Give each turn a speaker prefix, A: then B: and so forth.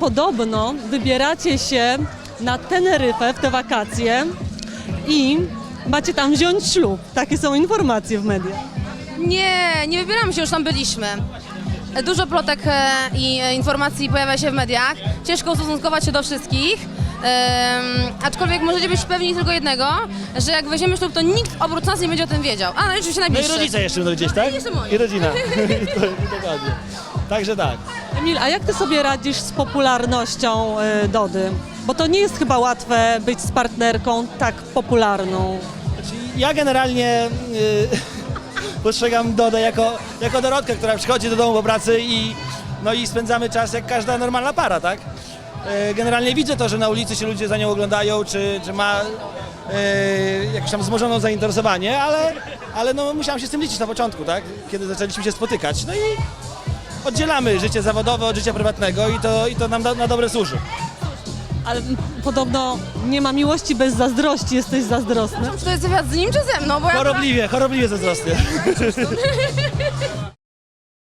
A: podobno wybieracie się na Teneryfę w te wakacje i macie tam wziąć ślub. Takie są informacje w mediach.
B: Nie wybieramy się, już tam byliśmy. Dużo plotek i informacji pojawia się w mediach. Ciężko ustosunkować się do wszystkich. Aczkolwiek możecie być pewni tylko jednego, że jak weźmiemy ślub, to nikt oprócz nas nie będzie o tym wiedział. A, no i oczywiście
C: No i
B: najbliższy.
C: rodzice jeszcze będą gdzieś, tak?
B: I jeszcze moi.
C: I rodzina. Dokładnie. Także tak.
A: Emil, a jak ty sobie radzisz z popularnością Dody? Bo to nie jest chyba łatwe być z partnerką tak popularną.
C: Znaczy, ja generalnie postrzegam Dodę jako Dorotkę, która przychodzi do domu po pracy i spędzamy czas jak każda normalna para, tak? Generalnie widzę to, że na ulicy się ludzie za nią oglądają, czy ma jakieś tam wzmożone zainteresowanie, ale no musiałem się z tym liczyć na początku, tak? Kiedy zaczęliśmy się spotykać. No i oddzielamy życie zawodowe od życia prywatnego i to nam na dobre służy.
A: Ale podobno nie ma miłości bez zazdrości, jesteś zazdrosny.
B: Czy to jest wywiad z nim, czy ze mną? Bo ja
C: Chorobliwie zazdrosny.